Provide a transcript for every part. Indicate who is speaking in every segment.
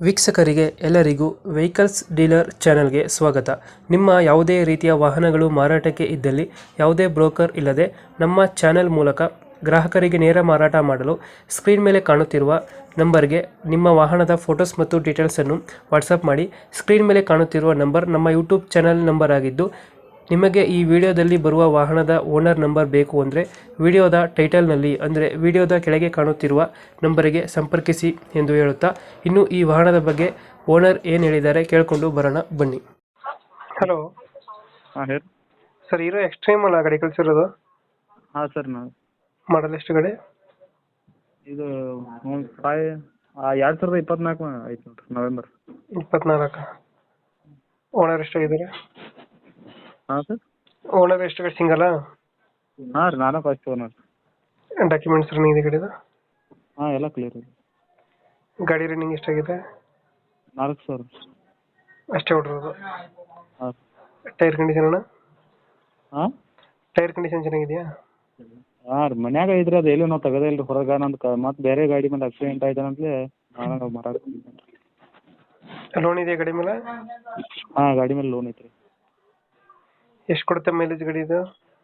Speaker 1: ವೀಕ್ಷಕರಿಗೆ ಎಲ್ಲರಿಗೂ vehicles dealer ಚಾನೆಲ್ಗೆ ಸ್ವಾಗತ. ನಿಮ್ಮ ಯಾವುದೇ ರೀತಿಯ ವಾಹನಗಳು ಮಾರಾಟಕ್ಕೆ ಇದ್ದಲ್ಲಿ ಯಾವುದೇ ಬ್ರೋಕರ್ ಇಲ್ಲದೆ ನಮ್ಮ ಚಾನೆಲ್ ಮೂಲಕ ಗ್ರಾಹಕರಿಗೆ ನೇರ ಮಾರಾಟ ಮಾಡಲು ಸ್ಕ್ರೀನ್ ಮೇಲೆ ಕಾಣುತ್ತಿರುವ ನಂಬರ್ಗೆ ನಿಮ್ಮ ವಾಹನದ ಫೋಟೋಸ್ ಮತ್ತು ಡೀಟೇಲ್ಸನ್ನು ವಾಟ್ಸಪ್ ಮಾಡಿ. ಸ್ಕ್ರೀನ್ ಮೇಲೆ ಕಾಣುತ್ತಿರುವ ನಂಬರ್ ನಮ್ಮ ಯೂಟ್ಯೂಬ್ ಚಾನೆಲ್ ನಂಬರ್ ಆಗಿದ್ದು, ನಿಮಗೆ ಈ ವಿಡಿಯೋದಲ್ಲಿ ಬರುವ ವಾಹನದ ಓನರ್ ನಂಬರ್ ಬೇಕು ಅಂದರೆ ವಿಡಿಯೋದ ಟೈಟಲ್ನಲ್ಲಿ ಅಂದರೆ ವಿಡಿಯೋದ ಕೆಳಗೆ ಕಾಣುತ್ತಿರುವ ನಂಬರಿಗೆ ಸಂಪರ್ಕಿಸಿ ಎಂದು ಹೇಳುತ್ತಾ, ಇನ್ನು ಈ ವಾಹನದ ಬಗ್ಗೆ ಓನರ್ ಏನು ಹೇಳಿದ್ದಾರೆ ಕೇಳಿಕೊಂಡು ಬರೋಣ ಬನ್ನಿ. ಹಲೋ
Speaker 2: ಹಾಂ ಹೇಳಿ
Speaker 1: ಸರ್, ಹೀರೋ ಎಕ್ಸ್ಟ್ರೀಮ್ ಅಲ್ಲ ಗಾಡಿ ಕಳಿಸಿರೋದು?
Speaker 2: ಹಾಂ ಸರ್. ನಾವು
Speaker 1: ಮಾಡಲ್ ಎಷ್ಟು ಗಾಡಿ?
Speaker 2: ಇದು ಒಂದು 2024 ಐತೆ ನೋಡಿರಿ, ನವೆಂಬರ್
Speaker 1: 24. ಓನರ್ ಎಷ್ಟಾಗಿದ್ದಾರೆ?
Speaker 2: ಹಾಂ ಸರ್.
Speaker 1: ಓನರ್ ಎಷ್ಟು ಗಾಡಿ ಸಿಂಗಲ್ಲ?
Speaker 2: ಹಾಂ ರೀ, ನಾನೇ ಫಸ್ಟ್ ಓನರ್.
Speaker 1: ಡಾಕ್ಯುಮೆಂಟ್ಸ್ ರನ್ನಿಂಗ್ ಇದೆ ಗಾಡಿದು?
Speaker 2: ಹಾಂ, ಎಲ್ಲ ಕ್ಲಿಯರ್ ಇದೆ.
Speaker 1: ಗಾಡಿ ರನ್ನಿಂಗ್ ಎಷ್ಟಾಗಿದೆ?
Speaker 2: 4,000.
Speaker 1: ಅಷ್ಟೇ ಹೊಡ್ರೋದು?
Speaker 2: ಹಾಂ.
Speaker 1: ಟೈರ್ ಕಂಡೀಷನ್ ಅಣ್ಣ?
Speaker 2: ಹಾಂ,
Speaker 1: ಟೈರ್ ಕಂಡೀಷನ್ ಚೆನ್ನಾಗಿದೆಯಾ?
Speaker 2: ಹಾಂ ರೀ, ಮನ್ಯಾಗ ಇದ್ರೆ ಅದು ಎಲ್ಲೂ ನಾವು ತೆಗೋದೇ ಇಲ್ಲ ರೀ ಹೊರಗೆ. ನಂದು ಮತ್ತೆ ಬೇರೆ ಗಾಡಿ ಮೇಲೆ ಆಕ್ಸಿಡೆಂಟ್ ಆಯ್ತು ಅಂತಲೇ ನಾನು ಮಾರಾಟ.
Speaker 1: ಲೋನ್ ಇದೆಯಾ ಗಾಡಿ ಮೇಲೆ?
Speaker 2: ಹಾಂ, ಗಾಡಿ ಮೇಲೆ ಲೋನ್ ಐತ್ರಿ.
Speaker 1: ಎಷ್ಟು ಕೊಡುತ್ತೆ ಮೈಲೇಜ್ ಗಾಡಿ ಇದು?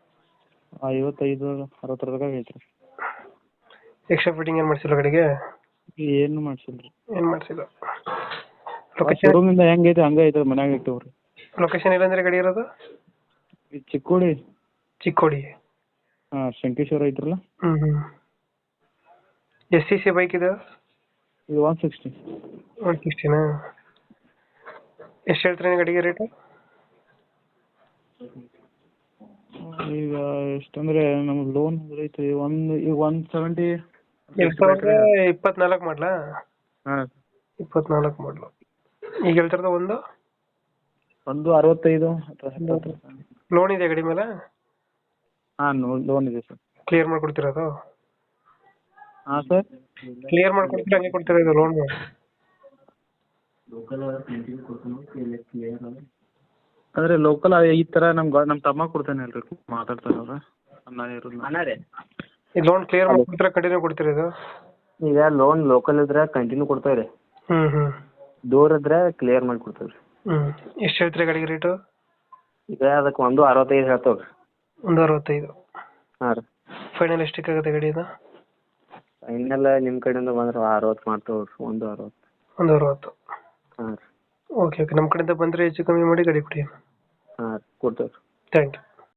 Speaker 2: 55-60 ಐತ್ರಿ.
Speaker 1: ಎಕ್ಸ್ಟ್ರಾ ಫಿಟ್ಟಿಂಗ್ ಏನು ಮಾಡಿಸಿಲ್ಲ ಗಾಡಿಗೆ?
Speaker 2: ಏನು ಮಾಡ್ಸಿಲ್ಲ ರೀ.
Speaker 1: ಏನು ಮಾಡಿಸಿಲ್ಲ.
Speaker 2: ಶೋರೂಮಿಂದ ಹೆಂಗೈತೆ ಹಂಗೆ ಐತೆ, ಮನ್ಯಾಗ ಇಟ್ಟವ್ರಿ.
Speaker 1: ಲೊಕೇಶನ್ ಎಲ್ಲಂದ್ರೆ ಗಾಡಿ ಇರೋದು?
Speaker 2: ಇದು ಚಿಕ್ಕೋಡಿ.
Speaker 1: ಚಿಕ್ಕೋಡಿ?
Speaker 2: ಹಾಂ, ಶಂಕೇಶ್ವರ ಐತ್ರಲ್ಲ.
Speaker 1: ಎಷ್ಟು ಸಿ ಸಿ ಬೈಕ್ ಇದು?
Speaker 2: ಇದು 160.
Speaker 1: 160ನಾ? ಎಷ್ಟು ಹೇಳ್ತೀರಿ ಗಾಡಿಗೆ ರೇಟು?
Speaker 2: ಈಗ ಎಷ್ಟಂದ್ರೆ ನಮ್ಗೆ ಲೋನ್ ಐತಿ ಈಗ 170.
Speaker 1: 2024 ಮಾಡಲಾ?
Speaker 2: ಹಾಂ,
Speaker 1: 24 ಮಾಡಲು. ಈಗ ಹೇಳ್ತಿರೋದು ಒಂದು
Speaker 2: 65 ಅಥವಾ 70.
Speaker 1: ಲೋನ್ ಇದೆ ಗಾಡಿ ಮೇಲೆ?
Speaker 2: ಹಾಂ, ಲೋನ್ ಇದೆ ಸರ್.
Speaker 1: ಕ್ಲಿಯರ್ ಮಾಡ್ಕೊಡ್ತಿರೋದು?
Speaker 2: ಹಾಂ ಸರ್.
Speaker 1: ಕ್ಲಿಯರ್ ಮಾಡ್ಕೊಡ್ತೀರಾ ಹಂಗೆ ಕೊಡ್ತೀರಾ ಇದು ಲೋನ್?
Speaker 2: ಅಂದರೆ ಲೋಕಲ್ ಈ ಥರ ನಮ್ಮ ತಮ್ಮ ಕೊಡ್ತಾನೆ ಅಲ್ರಿ, ಮಾತಾಡ್ತಾರೆ ಅವ್ರು.
Speaker 1: ಈ ಲೋನ್ ಕ್ಲಿಯರ್ ಮಾಡ್ಕೊಡ್ತೀರಾ ಕಂಟಿನ್ಯೂ ಕೊಡ್ತೀರಾ ಇದು?
Speaker 2: ಈಗ ಲೋನ್ ಲೋಕಲ್ ಇದ್ರೆ ಕಂಟಿನ್ಯೂ ಕೊಡ್ತೇವೆ ರೀ. ದೂರ ಇದ್ರೆ ಕ್ಲಿಯರ್ ಮಾಡಿ ಕೊಡ್ತೇವೆ ರೀ.
Speaker 1: ಎಷ್ಟು ಹೇಳ್ತೀರಿ ಗಾಡಿಗೆ ರೇಟು?
Speaker 2: ಈಗ ಅದಕ್ಕೆ 165 ಹೇಳ್ತೇವೆ ರೀ.
Speaker 1: 165?
Speaker 2: ಹಾಂ ರೀ.
Speaker 1: ಫೈನಲ್ ಎಷ್ಟಕ್ಕಾಗುತ್ತೆ ಗಾಡಿ ಇದು?
Speaker 2: ಫೈನಲ್ ನಿಮ್ಮ ಕಡೆಯಿಂದ ಬಂದ್ರೆ 60 ಮಾಡ್ತೇವೆ ರೀ. 160.
Speaker 1: 160?
Speaker 2: ಹಾಂ ರೀ.
Speaker 1: ಓಕೆ ಓಕೆ, ನಮ್ಮ ಕಡೆಯಿಂದ ಬಂದರೆ ಹೆಚ್ಚು ಕಮ್ಮಿ ಮಾಡಿ ಗಾಡಿ ಕೊಡಿ.
Speaker 2: ಹಾಂ ರೀ, ಕೊಡ್ತೇವೆ ರೀ.
Speaker 1: Thank you.